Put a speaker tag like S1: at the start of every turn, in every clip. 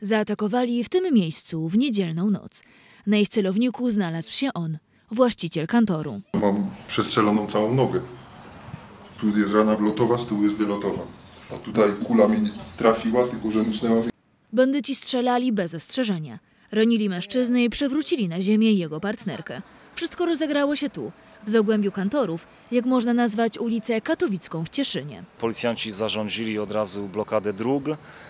S1: Zaatakowali w tym miejscu w niedzielną noc. Na ich celowniku znalazł się on, właściciel kantoru.
S2: Mam przestrzeloną całą nogę. Tu jest rana wlotowa, z tyłu jest wylotowa. A tutaj kula mi trafiła, tylko że musnęła mnie.
S1: Bandyci strzelali bez ostrzeżenia. Ranili mężczyznę i przewrócili na ziemię jego partnerkę. Wszystko rozegrało się tu, w zagłębiu kantorów, jak można nazwać ulicę Katowicką w Cieszynie.
S3: Policjanci zarządzili od razu blokadę dróg,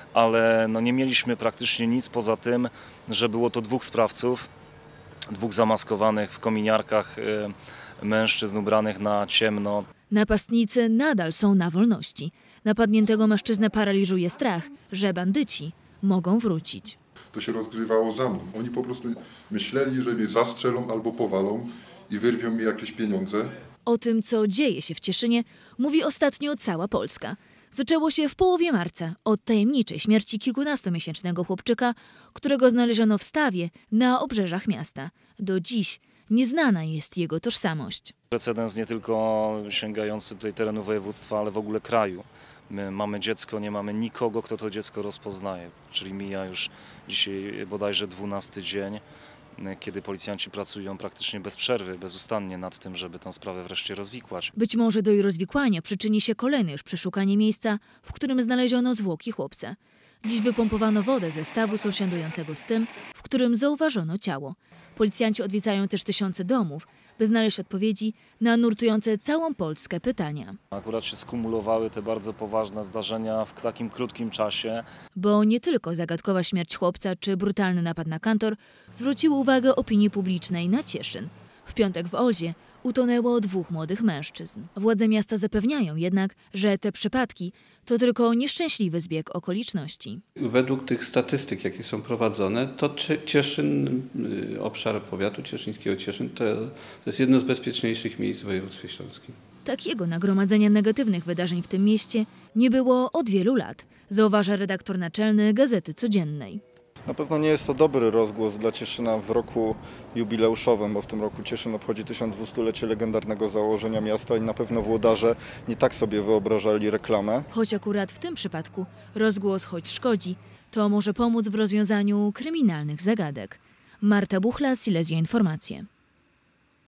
S3: ale nie mieliśmy praktycznie nic poza tym, że było to dwóch sprawców, dwóch zamaskowanych w kominiarkach mężczyzn ubranych na ciemno.
S1: Napastnicy nadal są na wolności. Napadniętego mężczyznę paraliżuje strach, że bandyci mogą wrócić.
S2: To się rozgrywało za mną. Oni po prostu myśleli, że mnie zastrzelą albo powalą i wyrwią mi jakieś pieniądze.
S1: O tym, co dzieje się w Cieszynie, mówi ostatnio cała Polska. Zaczęło się w połowie marca od tajemniczej śmierci kilkunastomiesięcznego chłopczyka, którego znaleziono w stawie na obrzeżach miasta. Do dziś nieznana jest jego tożsamość.
S3: Precedens nie tylko sięgający tutaj terenu województwa, ale w ogóle kraju. My mamy dziecko, nie mamy nikogo, kto to dziecko rozpoznaje. Czyli mija już dzisiaj bodajże 12 dzień, kiedy policjanci pracują praktycznie bez przerwy, bezustannie nad tym, żeby tę sprawę wreszcie rozwikłać.
S1: Być może do jej rozwikłania przyczyni się kolejne już przeszukanie miejsca, w którym znaleziono zwłoki chłopca. Dziś wypompowano wodę ze stawu sąsiadującego z tym, w którym zauważono ciało. Policjanci odwiedzają też tysiące domów, by znaleźć odpowiedzi na nurtujące całą Polskę pytania.
S3: Akurat się skumulowały te bardzo poważne zdarzenia w takim krótkim czasie.
S1: Bo nie tylko zagadkowa śmierć chłopca czy brutalny napad na kantor zwróciły uwagę opinii publicznej na Cieszyn. W piątek w Olzie utonęło dwóch młodych mężczyzn. Władze miasta zapewniają jednak, że te przypadki to tylko nieszczęśliwy zbieg okoliczności.
S4: Według tych statystyk, jakie są prowadzone, to Cieszyn, obszar powiatu cieszyńskiego Cieszyn, to jest jedno z bezpieczniejszych miejsc w województwie śląskim.
S1: Takiego nagromadzenia negatywnych wydarzeń w tym mieście nie było od wielu lat, zauważa redaktor naczelny Gazety Codziennej.
S5: Na pewno nie jest to dobry rozgłos dla Cieszyna w roku jubileuszowym, bo w tym roku Cieszyn obchodzi 1200-lecie legendarnego założenia miasta i na pewno włodarze nie tak sobie wyobrażali reklamę.
S1: Choć akurat w tym przypadku rozgłos choć szkodzi, to może pomóc w rozwiązaniu kryminalnych zagadek. Marta Buchla, Silesia Informacje.